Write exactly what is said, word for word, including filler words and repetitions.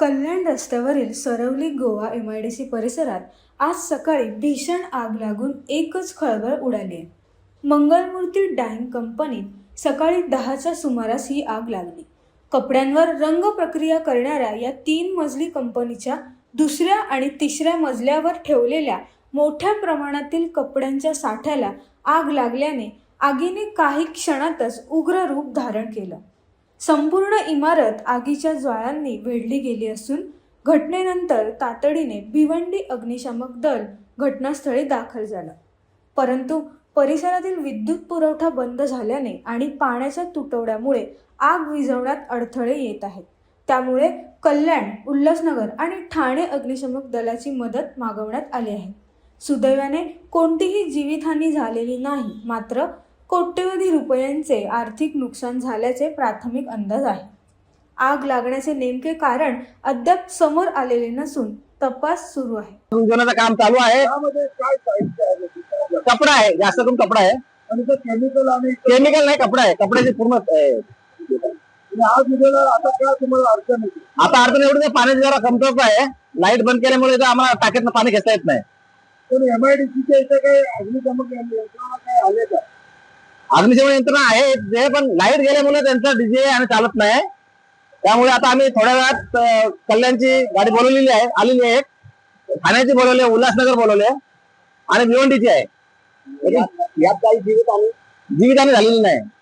कल्याण रस्त्यावरील सरवली गोवा M I D C परिसरात आज सकाळी भीषण आग लागून एकच खळबळ उडाली आहे. मंगलमूर्ती डाईंग कंपनीत सकाळी दहाच्या सुमारास ही आग लागली. कपड्यांवर रंग प्रक्रिया करणाऱ्या या तीन मजली कंपनीच्या दुसऱ्या आणि तिसऱ्या मजल्यावर ठेवलेल्या मोठ्या प्रमाणातील कपड्यांच्या साठ्याला आग लागल्याने आगीने काही क्षणातच उग्र रूप धारण केलं. संपूर्ण इमारत आगीच्या ज्वाळांनी वेढली गेली असून घटनेनंतर तातडीने भिवंडी अग्निशामक दल घटनास्थळी दाखल झालं. परंतु परिसरातील विद्युत पुरवठा बंद झाल्याने आणि पाण्याच्या तुटवड्यामुळे आग विझवण्यात अडथळे येत आहेत. त्यामुळे कल्याण, उल्हासनगर आणि ठाणे अग्निशमक दलाची मदत मागवण्यात आली आहे. सुदैवाने कोणतीही जीवितहानी झालेली नाही, मात्र कोट्यवधी रुपयांचे आर्थिक नुकसान झाल्याचे प्राथमिक अंदाज आहे. आग लागण्याचे नेमके कारण अद्याप समोर आलेले नसून तपास सुरू आहे. विझवण्याचं काम चालू आहे. कपडा आहे, जास्त करून कपडा आहे. आणि ते केमिकल आणि केमिकल नाही, कपडा आहे. कपड्याची पूर्ण आग विझवला. आता काय तुम्हाला अडचण येते? आता अडचण एवढी पाण्याची जरा कमतरता आहे. लाईट बंद केल्यामुळे इथं आम्हाला टाकीतनं पाणी घेता येत नाही. पण एम आय डी सीच्या इथे काही अग्निशमक यंत्रणा काय आले का? अग्निशमन यंत्रणा आहे जे, पण लाईट गेल्यामुळे त्यांचा डीजे आणि चालत नाही. त्यामुळे आता आम्ही थोड्या वेळात अं, कल्याणची गाडी बोलवलेली आहे, आलेली आहे. ठाण्याची बोलवली आहे, उल्हासनगर बोलवले आणि भिवंडीची आहे. यात काही जीवित आणि जीवितहानी झालेली नाही.